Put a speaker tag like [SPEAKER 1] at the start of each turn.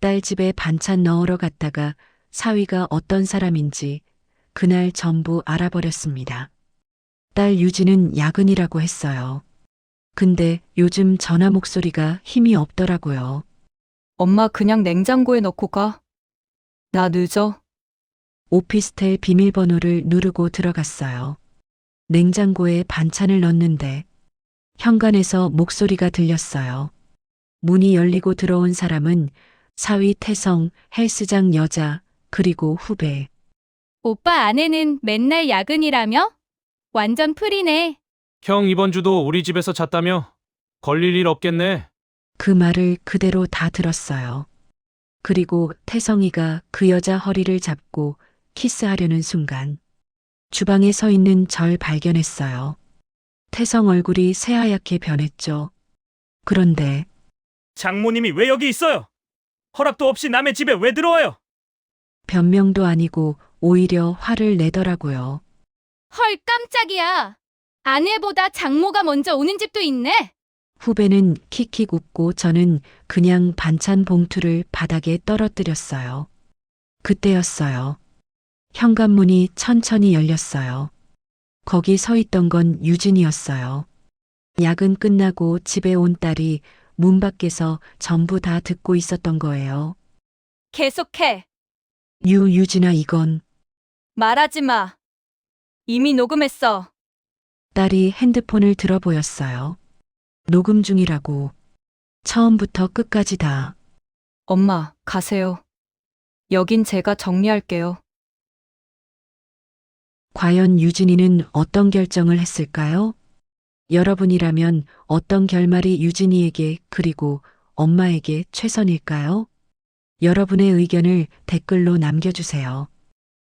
[SPEAKER 1] 딸 집에 반찬 넣으러 갔다가 사위가 어떤 사람인지 그날 전부 알아버렸습니다. 딸 유진은 야근이라고 했어요. 근데 요즘 전화 목소리가 힘이 없더라고요.
[SPEAKER 2] 엄마 그냥 냉장고에 넣고 가. 나 늦어.
[SPEAKER 1] 오피스텔 비밀번호를 누르고 들어갔어요. 냉장고에 반찬을 넣는데 현관에서 목소리가 들렸어요. 문이 열리고 들어온 사람은 사위 태성, 헬스장 여자, 그리고 후배.
[SPEAKER 3] 오빠 아내는 맨날 야근이라며? 완전 풀이네.
[SPEAKER 4] 형 이번 주도 우리 집에서 잤다며? 걸릴 일 없겠네.
[SPEAKER 1] 그 말을 그대로 다 들었어요. 그리고 태성이가 그 여자 허리를 잡고 키스하려는 순간 주방에 서 있는 절 발견했어요. 태성 얼굴이 새하얗게 변했죠. 그런데
[SPEAKER 5] 장모님이 왜 여기 있어요? 허락도 없이 남의 집에 왜 들어와요?
[SPEAKER 1] 변명도 아니고 오히려 화를 내더라고요.
[SPEAKER 3] 헐 깜짝이야. 아내보다 장모가 먼저 오는 집도 있네.
[SPEAKER 1] 후배는 킥킥 웃고 저는 그냥 반찬 봉투를 바닥에 떨어뜨렸어요. 그때였어요. 현관문이 천천히 열렸어요. 거기 서 있던 건 유진이었어요. 야근 끝나고 집에 온 딸이 문 밖에서 전부 다 듣고 있었던 거예요.
[SPEAKER 3] 계속해.
[SPEAKER 1] 유진아 이건
[SPEAKER 3] 말하지 마. 이미 녹음했어.
[SPEAKER 1] 딸이 핸드폰을 들어 보였어요. 녹음 중이라고. 처음부터 끝까지 다.
[SPEAKER 2] 엄마, 가세요. 여긴 제가 정리할게요.
[SPEAKER 1] 과연 유진이는 어떤 결정을 했을까요? 여러분이라면 어떤 결말이 유진이에게 그리고 엄마에게 최선일까요? 여러분의 의견을 댓글로 남겨주세요.